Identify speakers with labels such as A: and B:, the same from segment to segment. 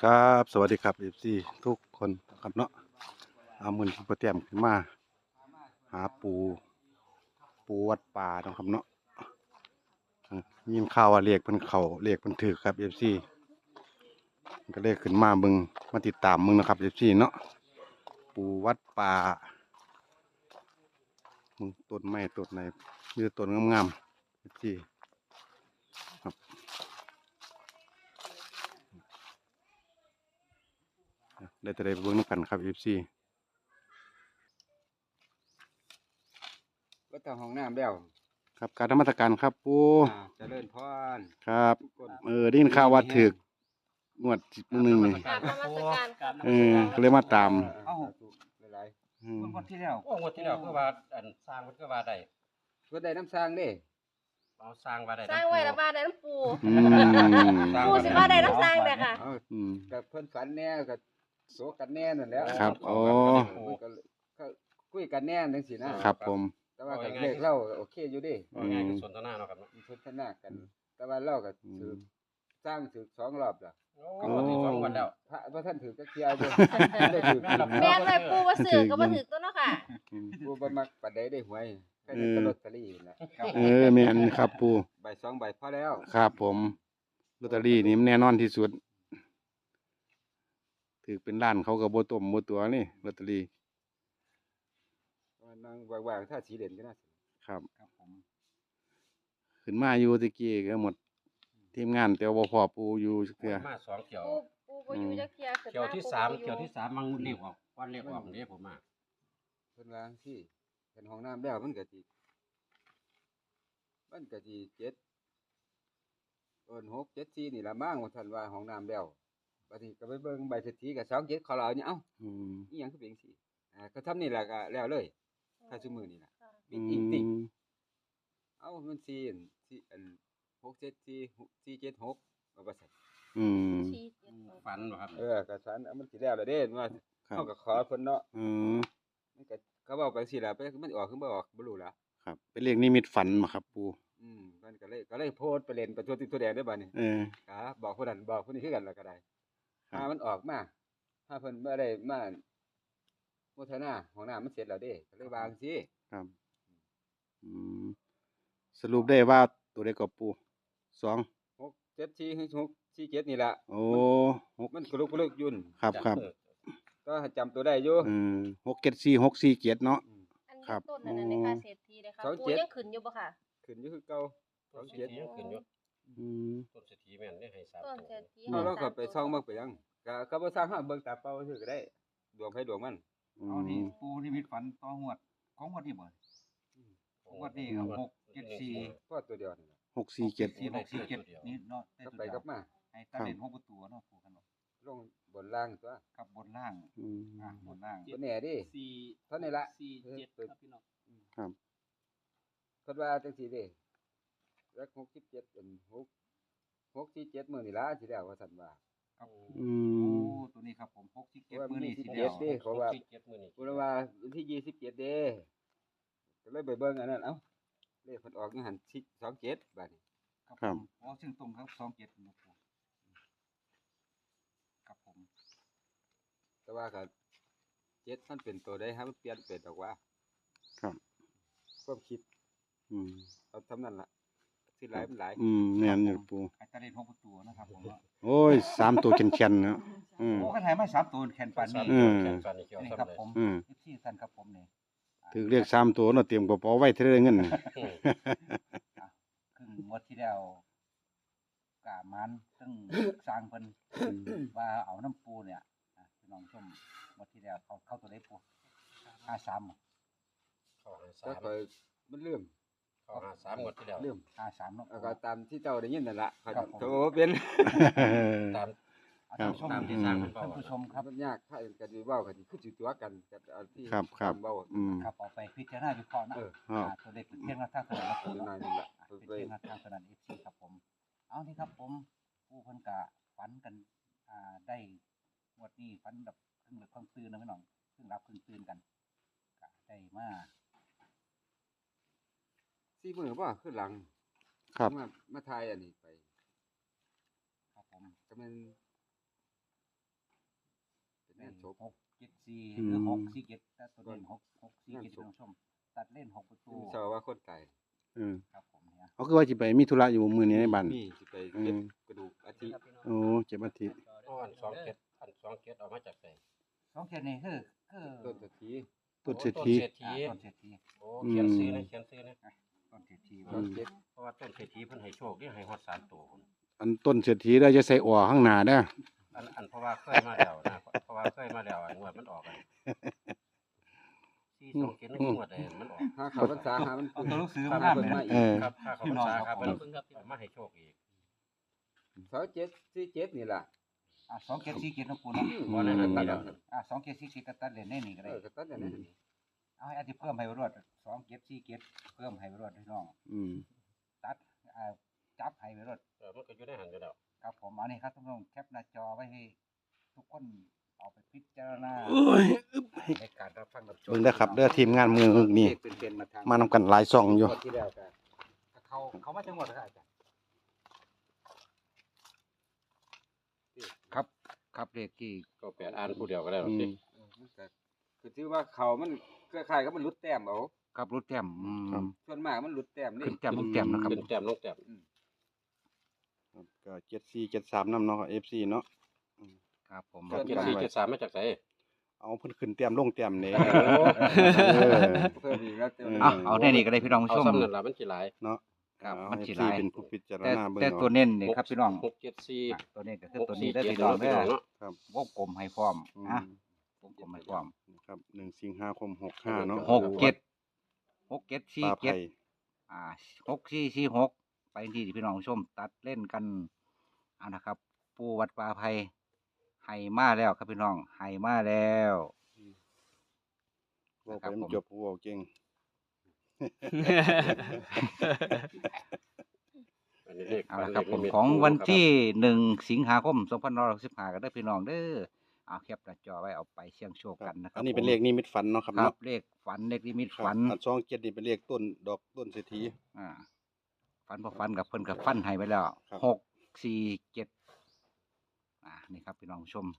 A: ครับสวัสดีครับเอฟซีทุกคนครับเนาะเอามือที่ประเตรียมขึ้นมาหาปูวัดป่าเนาะครับเนาะยินข่าวว่าเรียกเพิ่นเขาเรียกเพิ่นถือครับเอฟซีก็เลยขึ้นมาเบิ่งมาติดตามมึงนะครับเอฟซีเนาะปูวัดป่ามึงต้นไม้ต้นไหนมีแต่ต้นงามๆเอฟซีครับได้แต่ได้เบิ่งนำกันครับเอฟซี
B: ก็ทางห้องน้ำแล้ว
A: ครับการนมัสการครับปู
B: เจริญพร
A: ครับได้ยินข่าวว่าถึกงวดมื้อนึงนี่
C: กราบนมัสการครับ
A: ก็เลยมาตาม
B: เอ้าหลาย
D: งวดที่แล้ว
E: โอ้งวดที่แล้วก็ว่าอันสร้างมันก็ว่าได้
B: ก็ได้น้ำสร้างเด้
E: เอาสร้างว่าได้
C: สร้างไว้ละบ้านได้น้ำปู
A: อืม
C: ปูสิว่าได้น้ำสร้างเด้อค่ะ
A: อืม
B: กับเพิ่นฝันแน่กับโศกันแน่นั่นแหล้ว
A: ครับโอ้
B: ก็คุยกันแน่จังซี่นะครับ
A: ผม
B: แต่ว่าก็เลขเล่าโอเคอยู่เดิ
E: ว่าง่ายคือสนทนาเนาะครับเนาะ
B: มีพุทธนากัน แต่ว่าเล่าก็ถือสร้างถือ2รอบล่ะ
E: ก็งวดที่2วันแล้ว
B: พระท่านถือจักเที่ยวอยู่ได้ถือ
C: แม่นไว้ปูว่าซื้อก็บ่ถึกตัวเนาะค่ะ
B: ผู้บ่มักปานใดได้หวยก็ได้ลอตเตอรี่น่ะ
A: แม่นครับปู
B: ใบ2ใบพอแล้ว
A: ครับผมลอตเตอรี่นี่มันแน่นอนที่สุดถือเป็นล้านเขาก็บ่ต้มบ่ตัวนี่ลอตเตอรี่
B: นั่งว่างๆถ้าสีเหรียญก็น่าสิ
A: ครับ
D: ครับผม
A: ขึ้นมาอยู่ตะกี้ก็หมดทีมงานแต่ว่าบ่พอปูอยู่จักเทื่อ
E: มา2เที่ยว
C: ปูบ่อยู่จักเที่ยขึ้น
E: เที่ยว
C: มา
E: ที่
C: ปู
E: 3
C: บ่อยู่
E: เที่ยวที่3มันเรียกออกวันเรียกออกนี่ผมมา
B: เพิ่นว่าจังซี่เป็นห้องน้ำแล้วมันก็สิ76 7 4นี่ล่ะมั้งว่าท่านว่าห้องน้ำแล้วบัดนี้ก็ไปเบิ่งใบเศรษฐีก็27เขาเล่าเนี่ยเอ้า
A: อืม
B: อีหยังคือเป็นจังซี่ก็ทำนี่ล่ะก็แล้วเลยถ้าซุมื้อนี่ล่ะ
C: ค่ะ
B: ปิดอิงติงเอ้ามัน4อัน6 7 4 4 7 6ว่าซั่น
A: อืม
C: ชี้เจ็ดหก
E: ฝันบ่ครับ
B: ก็ฉันมันสิแล้วล่ะเด้ว่า
A: ครับ
B: เฮาก็ขอเพิ่นเนาะ
A: อืม
B: มันก็เขาเว้าไปจังซี่ล่ะไปมันออกคือบ่ออกบ่รู้ล่ะ
A: ครับเป็นเลขนิมิตฝันบ่ครับปู
B: มันก็เลยโพสต์ไปเล่นไปทั่วทิศทั่วแดนได้อบัดนี้ ครับบอกผู้นั้นบอกผู้นี้คือกันแล้วก็ได้
A: ครับ
B: ถ้ามันออกมาถ้าเพิ่นบ่ได้มาโมทนาห้องน้ำมันเสร็จแล้วเด้ก็เลยวางสิ
A: ครับอืมสรุปได้ว่าตัวเลขกับปูสอง
B: 6 7 4 6 4 7นี่ล่ะ
A: โอ้หก
B: มันกลุกอยู่
A: ครับครับ
B: ก็จำตัวได้อยู่
A: 674 647เนาะ
C: อัน
A: ครั
C: นี้
A: บ
C: ต้นอันนั้นในค่ะเศรษฐีเลยค่ะ
B: สอง
C: ปู
B: เจ็ด
C: ยังขึ้นอยู่บ่ค่ะ
B: ขึ้นอยู่คือเก่า
E: ต้นเศรษฐียังขึ้นอยู่
A: อืม
E: ต้นเศรษฐีแม่นได้ให้3
C: ต้น
E: ตัว
C: เศรษฐี
B: เอาเราก็ไปซ่องเบิ่งไปยังก็บ่สร้างหาเบิ่งตาเปล่าซื่อก็ได้ดวงไผดวงมัน
D: เอานี่ปูนิมิตฝันต่อหวดของงวดนี้บ่งวดนี้ครับ674
B: พอตัวเดียวนี่ล่ะ
A: 647
D: 4647นี่เนาะได้
B: ก็
D: ตัว
B: ไป
D: เดีย
B: กลั
D: ว
B: บมา
D: ให้ตัดเล่น6ประตูเนาะปูกันเนาะ
B: ลงบนล่างตัว
D: กับบนล่าง
A: อืม
D: บนล่าง
B: บ่แน่เดิ เท่านี้ละ
C: 4 7ครับพี่น้อง
A: ครับ
B: คิดว่าจังซี่เด้รัก67เป็น6 6 4 7มื้อนี่ล่ะสิแล้วว่าซั่นว่า
D: ครับ
A: อื
D: โอ้
A: ม
D: ตัวนี้ครับผม
B: ว่า
D: 67มื้อ
B: มี
D: นี้
B: สิ
D: สิ
B: บ
D: แล้
B: เจ็ด
D: ว
B: เด้เขาว่า
E: 7มื้อนี้
B: เพราะว่าวันที่27เด้ก็เลยไปเบิ่งอันนั้นเอ้าเลขเพิ่นออกอยู่หั่น27บัดนี้
D: ครับผมโอ้ซึ่งตรงครับ27นะปูครับผม
B: แต่ว่าก็7มันเป็นตัวใดฮะมันเปลี่ยนเป็นดอกว่า
A: ครับ
B: ความคิด
A: อืม
B: เอาทำนั้นล่ะสิหลายมันหลาย
A: แม่นอยู่ปู
D: ให้ตัดเล่น6ประตูนะครับผม
A: โอ้ย3ตัวแข็งๆเนาะอืม
D: โอ้คันให้มา3ตัวแขนปานนี้
E: แขนฟันนี่เกี่ยว
D: นี่
E: ซ้ำ
D: ครับ
E: เลย
D: ผม
A: อืม
D: ที่ท่านครับผมนี่
A: ถือเรียก3ตัวเนาะเตรียมกระเป๋าไว้เท่าเงินน่ะ
D: ครึ่งงวดที่แล้วกะมันซึ่งสร้างเพิ่นว่าเอาน้ำปูเนี่ยพี่น้องชมงวดที่แล้วเข้าตัวได้ปู53
E: เข้า
B: แต่ค่อยมันเริ่ม
E: 53งวดที่แล้ว
B: เริ่ม
D: 53เนาะ
B: แล้วก็ตามที่เจ้าได้ยินนั่นล่ะค่อย
D: ครับผม
B: โตเป็น
E: ตาม
D: ท่านผู้ชม
E: ตามที่สร้างเพิ่นเว้า
D: ท่านผู้ชมครับ
B: มันยากถ้ากันสิเว้ากันสิคือสิตัวกันกับเอาที่
A: ครับครับ
B: เว้า
A: อืม
D: ครับเอาไปพิจารณาวิเคราะห์นะ
B: เออ
D: ตัวเลขเป็นเพียงแนวทางเท่านั้นนะ
B: อยู่ในนั่นล่ะ
D: เป็นเพียงแนวทางเท่านั้น FC ครับผม เอานี่ครับผมผู้เพิ่นกะฝันกันได้งวดนี้ฝันแบบครึ่งหลับครึ่งตื่นนะพี่น้องครึ่งหลับครึ่งตื่นกันกะได้มา
B: 4มื้อบ่คือหลัง
A: ครับ
B: มาถ่ายอันนี้ไป
D: ครับผม
B: ก็แม่นชก
D: 674หรือ647แต่ตัวเด่น647ท่านผู้ชมตัดเล่น6ประตู
B: เจ้าว่าคนตาย
D: ครับผมเนี่ย
A: เขาคือว่าสิไปมีธุระอยู่มื้อนี้ในบ้าน
B: มีสิไปเก็บกระดูกอาทิ
A: โอ้เจ็บอาทิตย์
E: อ้อน2 เกตเอามาจากไหน
D: 2นี่คือ
B: ต้นตะที
A: ต้นเศรษฐี
E: ต้นเศรษฐี
D: ต้นเศรษฐี
E: โอ้เขียนซื้อนะเขียนซื้อนะ
D: ต้นเศรษฐี
B: ต้นเจ็ด
E: เพราะว่าต้นเศรษฐีเพิ่นให้โชคนี่ให้ฮอด3ตัวพุ่น
A: อันต้นเศรษฐีได้จะใส่อั่วข้างหน้าเด้อ
E: อันเพราะว่าเคยมาแล้วนะเพราะว่าเคยมาแล้วงวดมันออกกัน4 2 7งวดใดมันออก
B: หาเขาพรรษาหามัน
D: เอาตัวหนังสือ
B: ครั
D: มา
B: บ
D: นำเลยนะ
A: เออ
E: ครับค่าเขาพรรษาครับเพิ่นเอามาให้โชคอีก
B: 2747นี่ล่ะ
D: 2747นะปูเนาะ
E: บ่ได้หันนี่แล้ว
D: 2747ก็ตัดเล่นได้นี่ก็ได้
B: ก็ตัดอย่างนั้น
D: เอาให้อาจจะเพิ่มให้รวด2747เพิ่มให้รวดพี่น้อง
A: อืม
D: ตัดจับให้รวด
E: มันก็อยู่ในหันอยู่แล้ว
D: ครับผมเอานี่ครับทุกท่านแคปหน้าจอไว้ให้ทุกคนเอาไปพิจารณา
A: โอ้ย
D: ในการรับฟังรับชม
A: เบิ่งเด้อครับเด้อทีมงานมือนี่
B: เป็นมาทาง
A: มานำกันหลายช่องอยู่
B: งวดที่แล้วก็
D: เขามาจังหวัดอะไรอาจารย์ครับเลขที่
E: ก็แปดอ่านผู้เดียวก็ได้หรอก
A: อื
E: สิ
A: ม
B: มันก็คือถือว่าเขามันคล้ายๆกับมันหลุดแต้มเอา
D: ครับรถแต้ม
A: ครับ
B: ส่วนมากมันหลุดแต้มนี่
D: ขึ้นแต้มลงแต้มนะครับ
E: เป็นแต้มลงแต้ม
A: ครับก็74 73นำเนาะ FC เนาะ
D: ครับผม
A: ครับ
E: 74 73มาจากไส
A: เอาเพิ่นขึ้นแต้มลงแต้มนี่
E: โอ้
A: เออ
B: เพิ่มอีกแล้วแต่
D: เอาได้นี่ก็ได้พี่น้องผู้
E: เอา
D: ชม
E: ซ้ำนั่นล่ะมันสิหลาย
A: เนาะ
D: ครับ
A: เอา
D: มันสิ
A: FC
D: หลาย
A: เป็นผู้พิจาร
D: แต่
A: ณาเบิ่ง
D: แต่
A: เอา
D: ตัวเน้นนี่ครับพี่น้อง
E: 674
D: ตัวนี้ก็คือตัวนี้ได้
E: 647
D: พี่น้อง
E: พี่
D: เด้
E: น้
D: อ
E: องเนาะ
D: วงกลมให้พร้อม
A: อืม
D: อ่ะวงกลมให้พร้อม
A: ครับ1สิงหาคม65เนาะ
D: 67
A: ปลาไผ่
D: 67476446ไปที่พี่น้องผู้ชมตัดเล่นกันเอานะครับ ปูวัดป่าไผ่ให้มาแล้วครับพี่น้องให้มาแล้ว
A: เว้า
D: ค
A: ไป
D: รับ
A: มัน
D: ผม
A: จบเว้าเก่ง
E: อันนี้เลข
D: เอาละครับผม
E: เลข
D: ของวัน
E: ครับ
D: ที่1 สิงหาคม 2565ก็ได้พี่น้องเด้อเอาแคปหน้าจอไว้เอาไปเสี่ยงโชคกันนะครั
A: อั
D: บ
A: นนี้เป็น
D: ผม
A: เลขนิมิตฝันเนาะครับ
D: ครับ
A: เนาะ
D: เลขฝันเลขนิมิต
A: ครับ
D: ฝัน
A: อัน27นี่เป็นเลขต้นดอกต้นเศรษฐี
D: อ่าฝันพอฝันกับเพิ่นกับฟันให้ไปแล้ว
A: ครับ
D: 647นี่ครับพี่น้องผู้ชม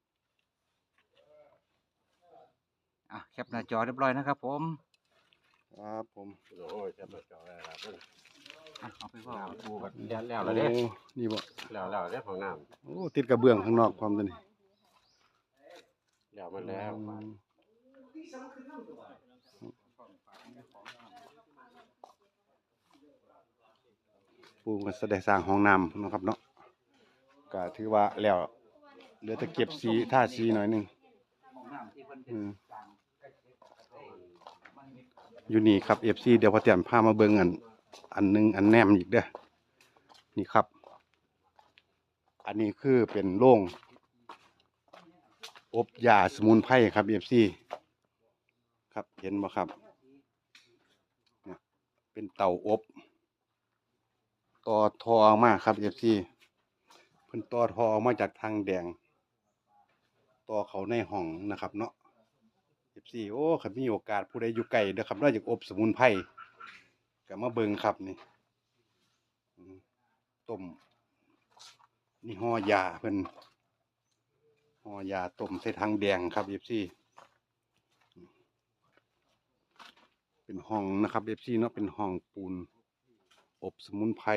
D: แคปหน้าจอเรียบร้อยนะครับผม
A: ครับผม
E: โอ้ยแซ่บจอได้ครับเพิ่น
D: เอาไปว่า
E: น้ำปูก็แล้ว
A: โอ้
E: แล้วเด้
A: นี่บ่
E: แล้วเด้ของน้ำ
A: โอ้ติดกระเบื้องข้างนอกพร้อมตัวนี้
E: แล้วมันแล้ว
A: อืมปูก็แสดงสร้างห้องน้ำเนาะครับเนาะก็ถือว่าแล้วเหลือแต่เก็บสีท่าสีหน่อยหนึง อืม อยู่นี่ครับ FC เดี๋ยวพอเตรียมพามาเบิ่งอันหนึงอันแนมอีกเด้อนี่ครับ อันนี้คือเป็นโรงอบยาสมุนไพรครับ FC ครับเห็นบ่ครับเนี่ยเป็นเตาอบต่อทอออกมาครับ FC เพิ่นต่อทอออกมาจากทางแดงต่อเขาในห้องนะครับเนาะ FC โอ้คันมีโอกาสผู้ใดอยู่ไกลเด้อครับเนาะอยากอบสมุนไพรก็มาเบิ่งครับนี่อืมต้มนี่ห่อยาเพิ่นห่อยาต้มใส่ทางแดงครับ FC เป็นห้องนะครับ FC เนาะเป็นห้องปูนอบสมุนไพร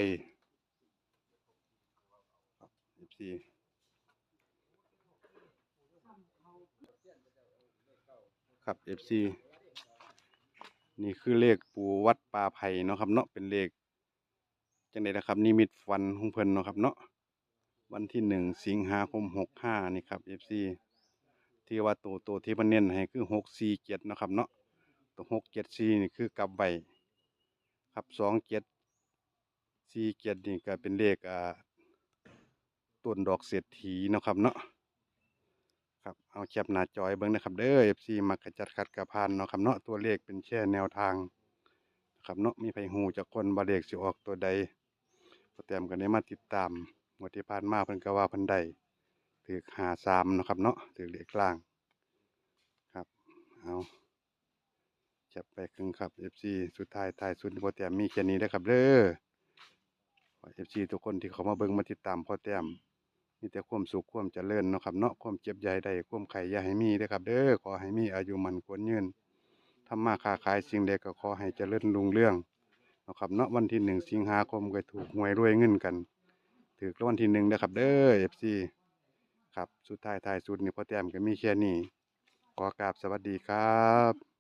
A: ครับ FC ครับ FC นี่คือเลขปู่วัดป่าไผ่เนาะครับเนาะเป็นเลขจังได๋นะครับนิมิตฝันของเพิ่นเนาะครับเนาะวันที่1สิงหาคม65นี่ครับ FC ที่ว่าตัวที่เพิ่นเน้นให้คือ647เนาะครับเนาะตัว674นี่คือกลับไว้ครับ2747นี่ก็เป็นเลขต้นดอกเศรษฐีเนาะครับเนาะครับเอาแคปหน้าจอให้เบิ่งนะครับเด้อ FC มักกะจัดขัดกะพานเนาะครับเนาะตัวเลขเป็นแค่แนวทางนะครับเนาะมีไผฮู้จักคนว่าเลขสิออกตัวใดพอแต้มก็ได้มาติดตามงวดที่ผ่านมาเพิ่นก็ว่าเพิ่นได้ถูก53เนาะครับเนาะถูกเลขกลางครับเอาจับไปครึ่งครับ FC สุดท้ายท้ายสุดพอแต้มมีแค่นี้เด้อครับเด้อขอ FC ทุกคนที่เข้ามาเบิ่งมาติดตามพอแต้มมีแต่ความสุขความเจริญเนาะครับเนาะความเจ็บใหญ่ได้ความไข่อย่าให้มีเด้อครับ เด้อขอให้มีอายุมันควรยืนทำมาค้าขายสิ่งใดก็ขอให้เจริญรุ่งเรืองเนาะครับเนาะวันที่1 สิงหาคมก็ถูกหวยรวยเงินกันถูกรางวัลที่1เด้อครับเด้อ FC ครับสุดท้ายสุดนี่พ่อแต้มก็มีแค่นี้ขอกราบสวัสดีครับ